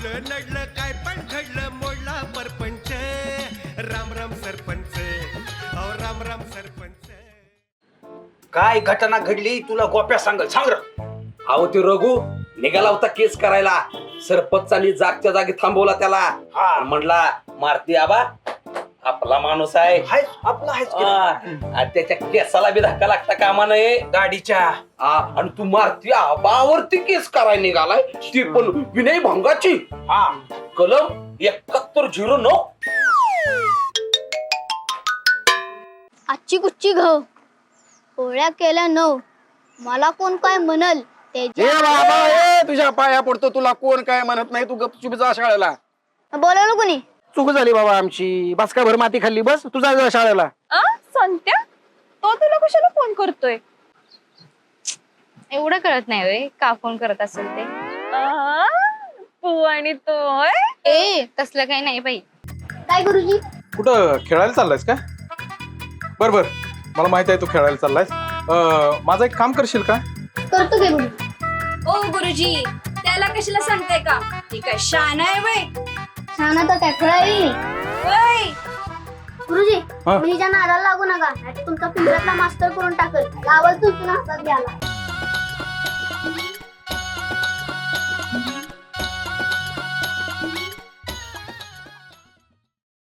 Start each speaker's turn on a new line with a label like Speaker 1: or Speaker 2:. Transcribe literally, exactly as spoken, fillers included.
Speaker 1: उडलं नडलं काय पण घडलं मोडला परपंच. राम राम सरपंच, अहो राम राम सरपंच.
Speaker 2: काय घटना घडली तुला गोप्या सांगल सांग र.
Speaker 3: अहो ते रघु निघाला होता केस करायला. सरपंचानी जागच्या जागी थांबवला त्याला. आणि म्हणला मारती आबा आपला माणूस आहे.
Speaker 2: हाय आपला आहेच की.
Speaker 3: हा, आणि त्याच्या केसाला बी धक्का लागता कामा नये
Speaker 2: गाडीच्या.
Speaker 3: हा, आणि तू मारती आबावरती केस करायला निघालाय, ती पण विनय भंगाची.
Speaker 2: हा
Speaker 3: कलम एकाहत्तर झिरो नऊ.
Speaker 4: आजची कुच्ची घाव पोळ्या केल्या नऊ. मला कोण काय म्हणल
Speaker 5: ए बाबा ए तुझ्या पाया पडतो, तुला कोण काय म्हणत नाही, तू गपचूप जा शाळेला.
Speaker 4: बोलवलं कोणी?
Speaker 5: चूक झाली बाबा आमची, बस का भर माती खाल्ली, बस तुझा जा शाळेला.
Speaker 6: संत्या तो तुला कशाला फोन करतोय?
Speaker 7: एवढं कळत नाही वे का फोन करत असेल ते.
Speaker 6: आ, तू आणि तो होय?
Speaker 7: ए तसलं काही नाही बाई.
Speaker 4: काय गुरुजी?
Speaker 8: कुठं खेळायला चाललायस का? बर बर, मला माहित आहे तू खेळायला चाललायस. अं, माझं एक काम करशील का?
Speaker 4: करतो काय गुरुजी?
Speaker 9: ओ गुरुजी त्याला कशाला सांगताय का? ती काय शान आहे वय?
Speaker 4: शाना तर काय खेळावी.
Speaker 9: वय
Speaker 4: गुरुजी
Speaker 8: हा?
Speaker 4: मुलीच्या नादाला लागू नका, नाहीतर तुमचा पिंजऱ्यातला मास्तर करून टाकल. गावात तुमच्या हातात घ्याला.